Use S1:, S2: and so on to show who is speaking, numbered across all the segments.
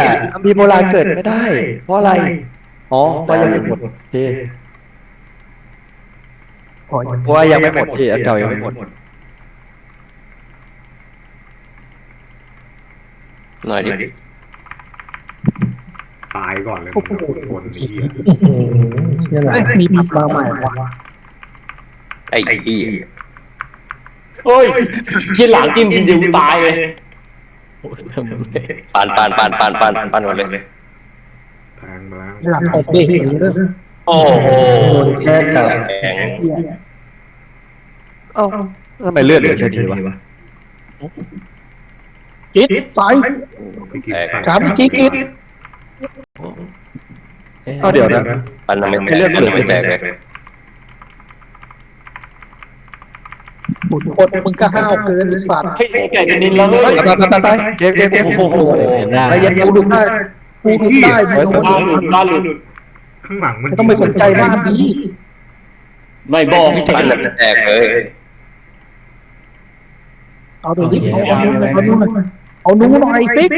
S1: คัมภีร์โบราณเกิดไม่ได้ เพราะอะไรอ๋อเพราะยังไม่หมดโอเคเพราะว่ายังไม่หมดที่อันเก่ายังไม่หมด
S2: หน่อยดิ
S3: ตายก่อนเลยมึงขุดคนนี้
S4: มีปรับมาใหม่วะ
S2: ไอ้อี
S5: โอ้ยที่หลังจิ้มทีเดียวตายเลย
S2: ปานหมดเลย
S3: แทงมาแล้ว
S4: หลังตบเด็ก
S2: โอ้โหแข็ง
S1: เอ้าทำไมเลือดเหลือแค่นี้วะ
S4: กิ๊ดสาย
S3: ไปกิน
S4: สามกิ๊ด
S1: เอ้าเดี๋ยวนะ
S2: ปันทำไมไม่แตกเลย
S4: บุญคนมึงก็ห้าวเกินไอ้สัตว์
S5: เฮ้ยไก่จะนินแล้วเฮ้ย
S1: ไปเกม
S5: โอ้โห
S1: ไปเย็นกูดูได้
S4: กูดูได้มึง
S5: บ้านหลุดบ้านหลุด
S3: ข้างหลังมัน
S4: ไม่ต้องไปสนใจบ้านนี้
S5: ไม่บอกพี่
S2: ปัน
S5: เจ๋ง
S2: แตกเลย
S4: เอาดูดิเอานู้นหน่อยติ๊ก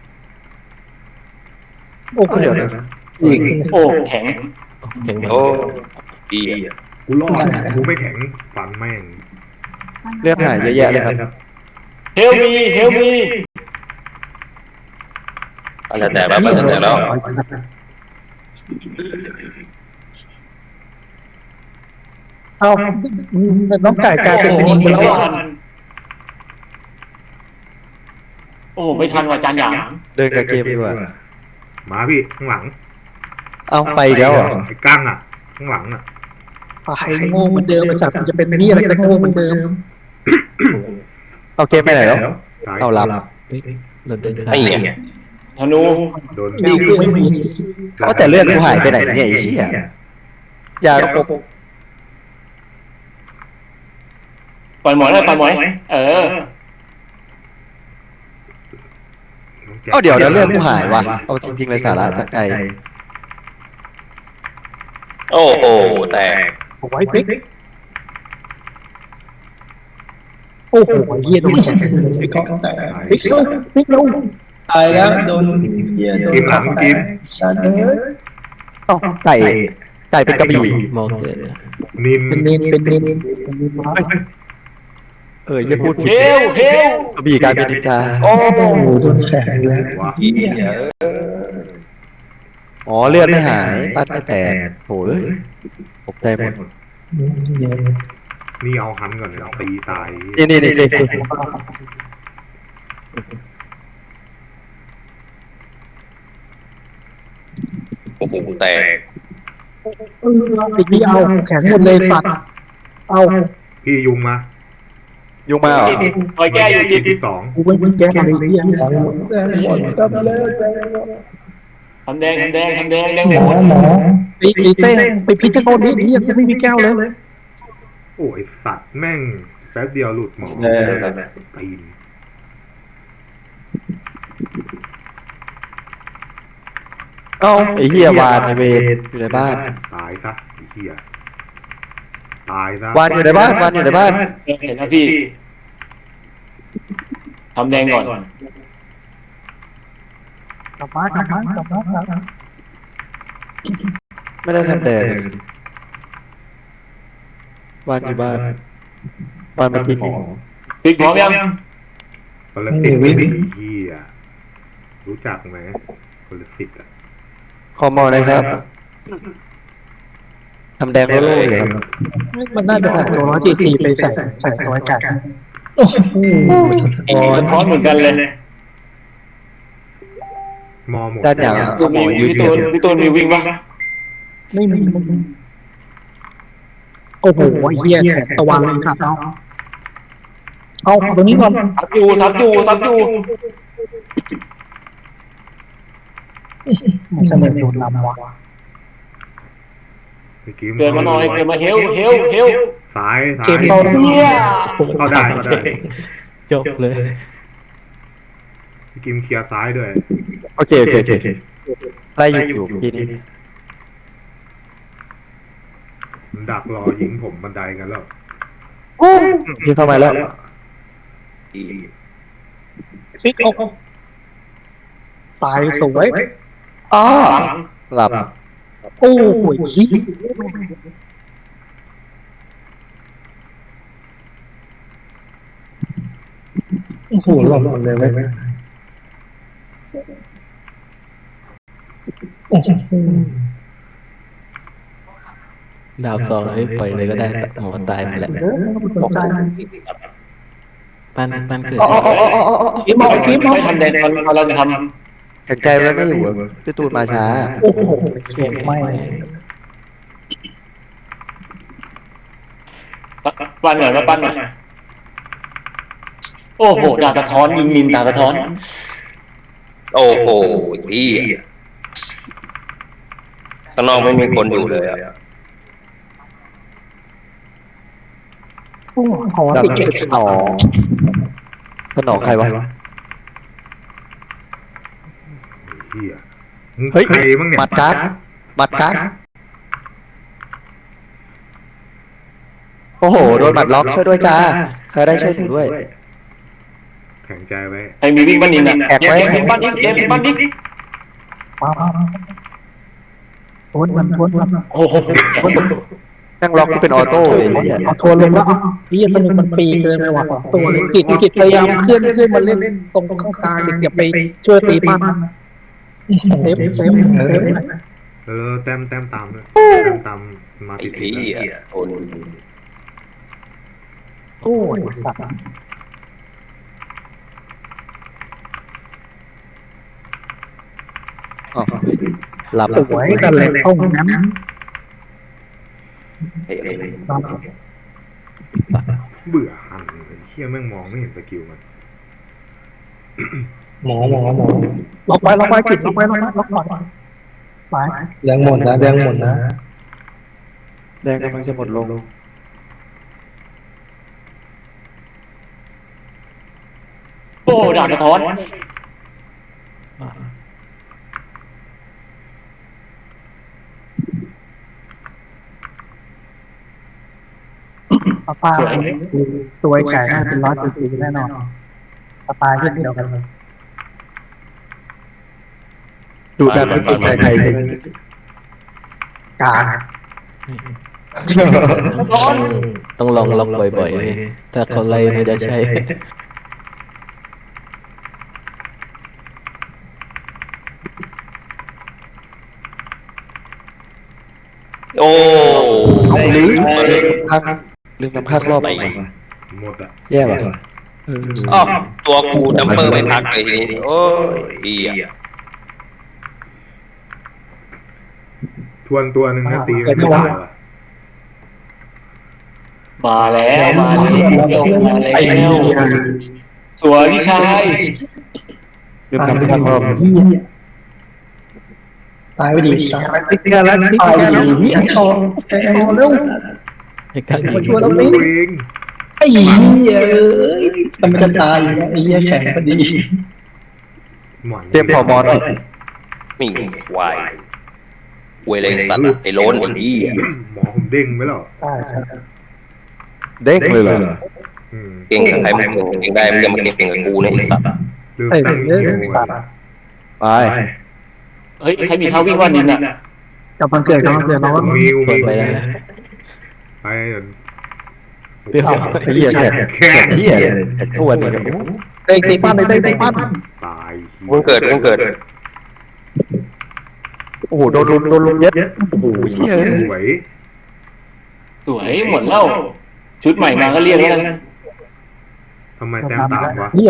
S4: โอ้โห
S1: เดี๋ยวนะ
S5: โอ้แข็ง
S2: โอ้อี
S3: กูรอดกูไม่แข็งฟันแม่ง
S1: เลือดหายเยอะแยะเลยครับ
S5: เฮลมี
S2: ปันแตกแล้ว
S4: เอาน้องไก่กลายเป็นนินไปแล้วอ่ะ
S5: โอ้ไม่ทันว่ะจานหยาง
S1: เดินกับเกมดีกว่า
S3: มาพี่ข้างหลัง
S1: เอาไปอีกแล้วเหรอ
S3: ไอ้ก้างอ่ะ ข้างหลังอ่ะ
S4: ไอ้โง่เหมือนเดิมไอ้สัตว์มันจะเป็นนี่อะไรก็โง่เหมือนเดิม
S1: เอาเกมไปไหนแล้ว
S3: ซ้าย
S1: เอาหลับ
S2: ไอ้เนี่ย
S5: ธนู
S3: โดน
S4: ดีขึ้นไม่มี
S1: ก็แต่เลือดกูหายไปไหนเนี่ยไอ้เหี้ยยาระบบ
S5: ปล่อยหมอยเลยปล่อยหมอยเออ
S1: เอาเดี๋ยวนะเลือดกูหายวะเอาจริงๆเลยสาระจากใจ
S2: โอ้โหแตก
S4: เอาไว้ฟิกโอ้โหเฮียโดนแฉกฟิกลง
S6: ตายแล้วโดนเหี้ยโดน
S3: กิมหลังกิม
S6: สัตว์เอ้ย
S1: เอ้าไก่เป็นกระบี่
S6: มองเกิด
S3: นิน
S4: เป็นเนนมา
S1: อย่าพูดผิด
S5: เฮล
S1: กระบี่กลายเป็นนินจา
S5: โอ้
S6: โอ้โหโดนแฉกเลย
S3: วะ
S2: อี
S1: อ๋อเลือดไม่หายปัดไม่แตกโถ่ตกใจหมด
S3: นี่เอาหันก่อนเลยตีตาย
S1: นี่
S2: โอ้โหแตก
S4: ไอ้ที่เอาแข็งหมดเลยสัตว์เอา
S3: พี่ยุงมา
S1: ยุงมาเหรอ
S5: คอยแก้อยู่
S3: ที่สอง
S4: กูไม่มีแก้อะไรเฮีย
S5: ทำแดงแดงโหด
S4: ตีเต้ไปพิจารณาดิเฮียกูไม่มีแก้วเลย
S3: โอ้ยสัตว์แม่งแป๊บเดียวหลุดหมอตีน
S1: เอ้าไอ้เหี้ยวานในเวรอยู่ในบ้าน
S3: ตายซะไอ้เหี้ยตายซะ
S1: วานอยู่ในบ้านวานอยู่ในบ้าน
S5: เห็นนะพี่ทำแดงก่อน
S4: กลับมา
S1: ไม่ได้ทำแดงวานอยู่บ้านวานมากินหมอ
S5: ปิดพร้อมยัง
S3: คนละสิบไม่ดีเหี้ยรู้จักไหมคนละสิบอ่ะ
S1: คอมอนะครับทำแดงโล่ๆเลยครับ
S4: มันน่าจะหาตัว144ไปใส่ตัวไก่
S5: มันพร้อมเหมือนกันเลย
S3: มอหมด
S1: ด้านอย่าง
S5: มีพี่ตูนมีวิ่งปะ
S4: ไม่มีโอ้โหเฮียแฉกตะวันเลยสัตว์เอาตัวนี้ก่อน
S5: ซับอยู่
S4: มันเสนอโดนลำวะ
S5: เกินมาหน่อยเกินมาเฮล
S3: ซ้าย
S4: เกมเราเนี่ย
S3: เข้าได้
S6: จบเลย
S3: พี่กิมเคลียร์ซ้ายด้วย
S1: โอเคไล่อยู่ทีนี้
S3: มันดักรอยิงผมบันไดกันแล้ว
S1: ยิงเข้ามาแล้ว
S2: อี
S4: ฟิกสายสวย
S1: อ๋อ
S5: หลัง
S1: หลับ
S4: โอ้ยขี้โอ้โหหล่นหมดเลยเว้ยโอ้โห
S6: ดาบสองเลยปล่อยเลยก็ได้หมอตายหมดแหละ
S4: สนใจ
S6: ปั้นเกิด
S4: คิมเอาคิมเอา
S5: ไม่ทันเดนเราจะท
S1: แข็งใจไว้ไม่อยู่พี่ตูนมาช้า
S4: โอ้โหเข็มไม่
S5: ำปั้นหน่อยมาปั้นหน่อยโอ้โหดาบสะท้อนยิงนินดาบสะท้อน
S2: โอ้โหพี่ข้างนอกไม่มีคนอยู่เลยอะ
S4: โอ้โหถอน
S1: ดับ
S4: ติดเจ็ด
S1: สองสนองใครวะ
S3: เหี้ยมึง
S1: เฮ้ย
S3: ใครบ้างเนี่ย
S1: บัตรการ์ดบัตรการ์ดโอ้โหโดนบัตรล็อกช่วยด้วยจ้าใครได้ช่วยหนูด้วย
S3: แข็งใจไว้
S5: ใครมีวิ่งปั้นนินอ่ะ
S1: แอบไว้
S5: เกมปั้นดิเกมปั้นดิ
S4: มาทวนมัน
S5: โอ้โห
S1: นั่งล็อกที่เป็นออโต้เลยเนี่ย
S4: เอาทวนลงแล้วพี่สนุกมันฟรีเกินไปว่ะ2 ตัวเลยกิจพยายามเคลื่อนมาเล่นตรงข้างกลางอย่าไปช่วยตีปั้นเซฟ
S3: แล้วแต้มตามด้วยแต้มตามมา
S2: ไอ้
S3: ติด
S2: พี่
S3: ๆ
S2: อะทน
S4: โอ้ยสัตว์
S1: อ๋อหลับ
S4: สวยกันเลยห้องนั้น
S2: ไอ้
S3: เบื่อหันไอ้เหี้ยแม่งมองไม่เห็นสกิลมัน
S6: หมอ
S4: ล็อกไว้กิจล็อกไว้สาย
S6: แดงหมดนะแดงหมดนะ
S1: แดงกำลังจะหมดลง
S5: โอ้ดาบสะท้อน
S4: ปลาตัวไก่น่าเป็น100 ปีแน่นอนปลาที่เดียวกัน
S1: ดูดันไม่เก่งใจใครเลย
S4: กา
S6: ต้องลองล็อกบ่อยๆถ้าเขาไล่มันจะใช่
S2: โอ้
S1: ลืมพักลืมน้ำพักรอบใหม่
S3: หมดอ่ะ
S1: แย่ว่ะ
S2: อ้าวตัวกูดัมเปอร์ไม่พักเลยทีนี้โอ้ยเหี้ย
S3: ทวนตัวหนึ่งนะตีไม่ได้ว่ะ
S5: มาแล้วสวยพี่ชาย
S1: ลืมน้ำพักรอบ
S4: ตายไปดิสายติ๊กกันแล้วตายไปดินี่ไอ้ทองเร็ว
S6: ไอ้กัง
S4: มาช่วยเรา
S3: ตั
S4: ดิ
S3: วเอง
S4: ไอ้เหี้ยทำไมจะตายไอ้เหี้ยแข็งพอดี
S3: หมอน
S1: เตรียมพอบอลอีก
S2: นี่วายเวเลยสัตว์ไอ้โล้นไอ้พี่
S3: หมอผมเด้งไปแล้ว
S4: ใช่
S1: เด้งเลยเหรอ
S2: เก่งกับใครมึงเก่งได้มึงจะมาเก่งกับกูนะไอ้สัตว์
S3: ลืม
S4: ไอ้
S3: ตั้ง
S4: เรื่
S3: คิ
S4: อง
S3: ว
S4: สัตว์
S1: ไป
S5: เฮ้ยใครมีข้าววิ่งปั้นนินอ่ะ
S4: กับมันเกิดน้อง
S3: มี
S6: เปิดไปแล้วนะ
S3: ไป
S6: เรียบร้อย
S1: ไอ้เหี้ยแขกแขกเหี้ยแขกทวนนี่กับ
S4: เตะตีปั้นเลยเตะปั้น
S3: ตาย
S2: มึงเกิด
S1: โอ้โหโดนลุมเย็ดโอ้โหเหี้ย
S3: สวย
S5: สวยหมดแล้วชุดใหม่มาก็เรียกแล้วกัน
S3: ทำไมแต้มตามวะ
S4: เหี้ย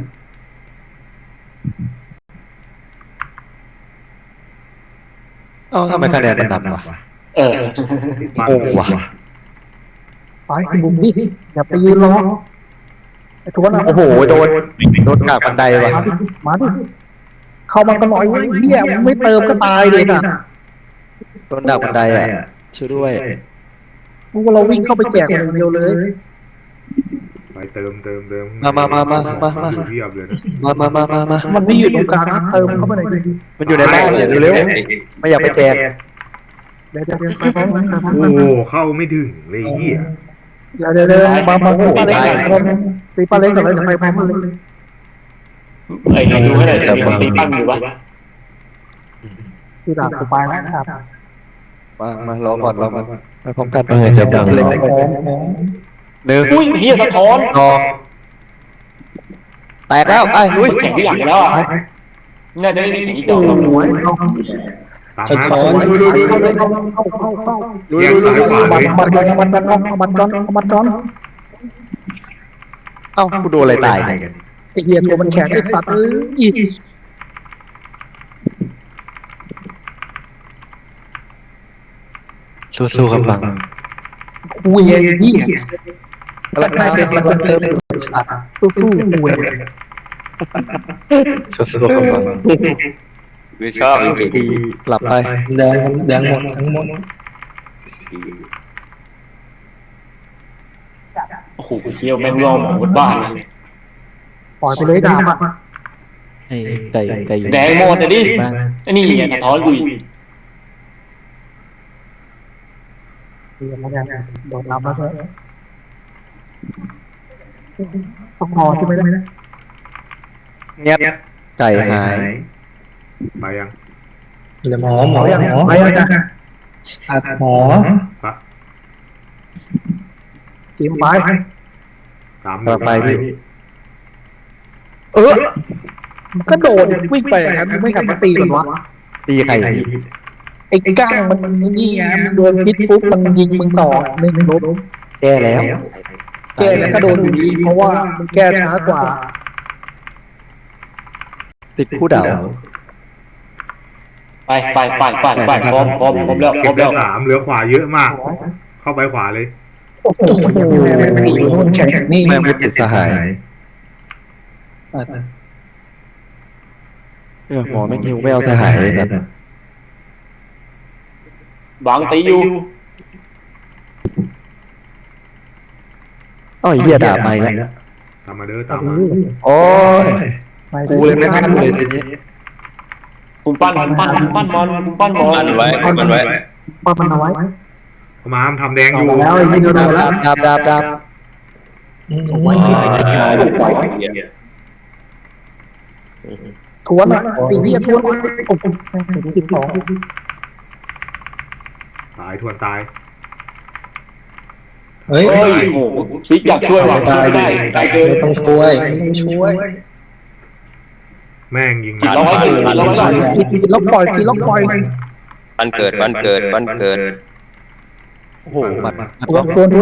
S1: เอ้าทำไมคะแนนมันนำวะ
S5: เออ
S1: โงว่ะ
S4: ไปบุมดิอย่าไปยืนรอไอ้ทวนอ่ะ
S1: โอ้โหโดนกากบันไดว่ะ
S4: มาดิเข้ามากันหน่อยเว้ยเหี้ยไม่เติมก็ตายเลยน่ะ
S1: โดนดักบันไดอ่ะช่วยด้วย
S4: พวกเราวิ่งเข้าไปแจกคนเดียวเลย
S3: ไปเติม
S1: มา
S3: เทียบเลยนะ
S1: มา
S4: มันไม่อยู่ตรงกลางนะเติมเข้าไปหน่อยดิ
S1: มันอยู่ในบ้านอย่าเร็วๆไม่อยากไปแจก
S4: เดี๋ยวไปพร้อมกัน
S3: โอ้เข้าไม่ถึงเลยเหี้ย
S4: เดี๋ยวมาตีปลาเล็กตีปลาเล็กก่อนเลยเดี๋ยวไปพร้อมกันเลย
S5: ไอ้ดูให้หน่อยจะมีคนตีปั้นอยู่ปะ
S4: ที่หลังกูไปแล้วนะครับ
S1: มารอก่อนไปพร้อมกัน
S6: จะบัง
S1: เล็กไปหนึ่ง
S5: อุ้ยเฮียสะท้อน
S1: สองแตกแล้วไปลุย
S5: แข่งที่หลังแล้วอ่ะน่าจะไม่มีแข่งอีกต่อ
S4: โอ้ย
S3: ตาม
S4: สะ
S3: มา
S4: ท้อน
S3: ดูดูดู
S4: เข้า
S3: ดู
S4: เข้า
S1: ลุยลุยลุยลุย
S4: มันก้อน
S1: เอ้ากูโดนอะไรตายเนี่ย
S4: ไอ้เหี้ยตัวมันแข็งไอ้สัตว์อีก
S6: สู้ๆครับบัง
S4: คุยไอ้เหี้ยแล้วได้เป็นมันเติมสัตว์สู้ๆคุย
S6: สู้ๆครับบัง
S2: ไม่ชอบจริง
S1: ดีหลับไป
S6: แดงหมดทั้งหมด
S5: โอ้โหเฮียแม่งรอหมดบ้านเลย
S4: ปล่อยไปเลยดาบอ่ะ
S6: ให้ไก่อยู่
S5: แดงหมดเลยดิ
S6: บ้าน
S5: ไอ้นี่ไงสะท้อนกูอีก
S4: เดี๋ยวมาเนี่ยโดนรับแล้วใช่ต้องพอใช่ไหมเนี่ย
S1: เงียบไก่หาย
S3: ไปยัง
S6: เดี๋ยวหมอ
S4: ไปยังนะอัดหมอ
S3: ปะ
S4: จิ้มไป
S3: ตาม
S1: กลับไปพี่
S4: มันก็โดดวิ่งไปอย่างนั้นไม่หันมาตีกันวะ
S1: ตีไข่พี่
S4: ไอ้ก้างมันนี่ไงมันโดนพิษปุ๊บมันยิงมึงต่อหนึ่งลบ
S1: แก้แล้ว
S4: แก้แล้วก็โดนอยู่ดีเพราะว่ามันแก้ช้ากว่า
S1: ติดคู่เดา
S5: ไปพร้อมแล้ว
S3: เก็บได้สามเหลือขวาเยอะมาก เข้าไปขวาเลย
S4: โอ้โหผีมันแข็งนี่
S1: แม่งไม่ติดสหายหมอไม่หิวไม่เอาสหายเลยนะ
S5: บางตีอยู่
S1: อ้าวเหี้ยด่าไปแล้ว
S3: ตามมาเด้อตามมา
S1: โอ้ยกูเลยไม่ทันเลยทีนี้
S5: คุณปั้นมอน
S2: ๆมันไว้มันไว้
S4: ป้ามันเอาไว้
S3: เข้ามาทำแดงอยู่
S4: แล้วไอ้ยิงโดนแล้ว
S1: ดาบ
S4: สวยทวนอ่ะตีเหี้ยทวนโอ้โหจิบสอง
S3: ตายทวนตาย
S6: เฮ้ย
S5: เฮ้ยโอ้โหฟิกอยากช่วยว่ะช่วยไม่ได้ตายเกิน
S6: ต้องช่วย
S3: แม่งยิง
S5: จิตเราไว้ก่อนเราไว้ก่อน
S4: กินล็อกปล่อยกินล็อกปล่อย
S2: บ้านเกิด
S1: โอ้โหมัน
S4: ทวน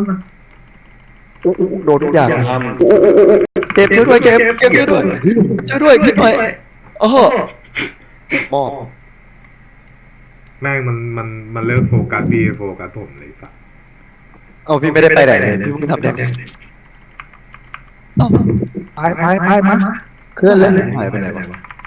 S1: โดนทุกอย่างเก็บช่วยด้วยเก็บช่วยด้วยช่วยด้วยช่วยด้วยโอ้โหมอบ
S3: แม่งมันเลิกโฟกัสพี่โฟกัสผมเลยสัส
S1: เอาพี่ไม่ได้ไปไหนเลยพี่เพิ่งทำแดง
S4: ไปมาเคลื่อนเลย
S1: หายไปไหนวะ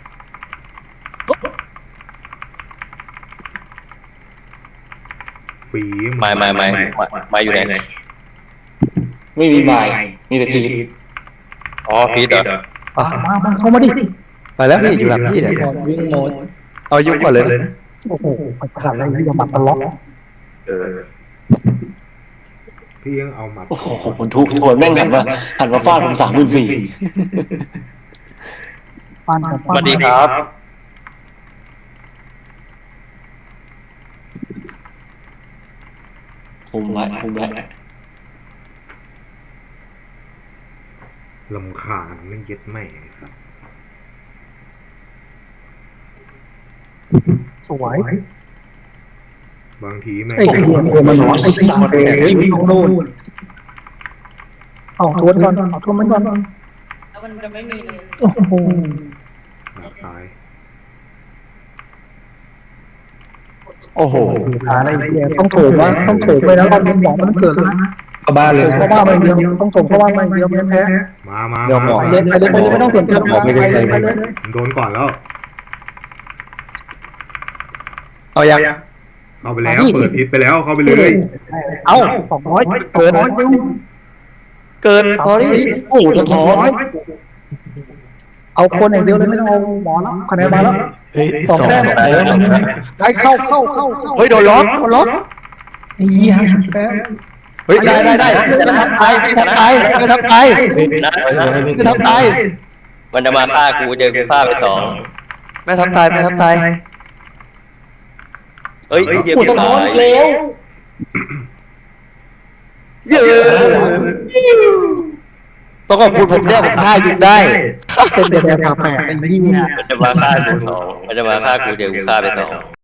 S3: ฝี
S2: มาอยู่ไหน
S5: ไม่มีไม้มีแต่ที
S2: อ๋อพีทเหรอ
S4: มาเข้ามาดิ
S1: ไปแล้วพี่อยู่หลังพี่เนี่ย
S6: วิ่งโหมด
S1: เอายุ่งก่อนเลยนะ
S4: โอ้โหขาดอะไรที่จะมาตลอด
S3: พี่ยังเอามา
S5: โอ้โหผมทุกทวนแม่งหันมาฟาดผม34,000
S4: ปั้น
S2: สวัสดีครับ
S5: คุมไว้
S3: ลำคาญไม่เย็ดแม่งไอ้สัส
S4: สวย
S3: บางทีแม่ง
S4: ไอ้หัวมันร้อนไอ้สัตว์เลยวิ่งโน่นเอาทวนก่อนเอาทวนมันก่อน
S7: แล้วมันจะไม่มีเลย
S4: โอ้โห
S3: ตาย
S1: โอ้โห
S4: ขาอะไรเนี่ยต้องโถมว่าต้องโถมไปแล้วตอนนี้หมอมันเกิดแล้วนะ
S6: เข้าบ้านเลย
S4: เข้าบ้านไปเดียวต้องโถมเข้าบ้านไปเดียวแพ้
S3: มา
S4: เล่นไปเลยไม่ต้องสนใจไปเลยไปเลย
S3: ผมโดนก่อนแล้ว
S1: เอายัง
S3: เข้าไปแล้วเปิดพิษไปแล้วเข้าไปเลย
S4: เอา200เกิน
S1: เกินพอดิ
S4: โอ้จะถอยเอาคนอย่างเดียวเลยไม่ต้องเอาหมอแล้วคะแนนมาแล้ว
S6: เฮ้ย
S4: สองแต้มได้เข้า
S1: เฮ้ยโดนล็อก
S4: นี่50แต้ม
S1: เฮ้ยได้จะทำตายจะทำตายจะทำตายจะทำตาย
S2: มันจะมาฆ่ากูเจอกูฆ่าไปสอง
S1: แม่ทับตายแม่ทับตาย
S2: เฮ้ยเดี๋ยว
S5: กูสะท้อนเร็ว
S1: เย้ต้องขอบคุณผมเนี่ยผมฆ่ายิงได้
S4: เส้นเดียวกันแปลกไอ้เหี้ย
S2: มันจะมาฆ่ากูสองมันจะมาฆ่ากูเจอกูฆ่าไปสอง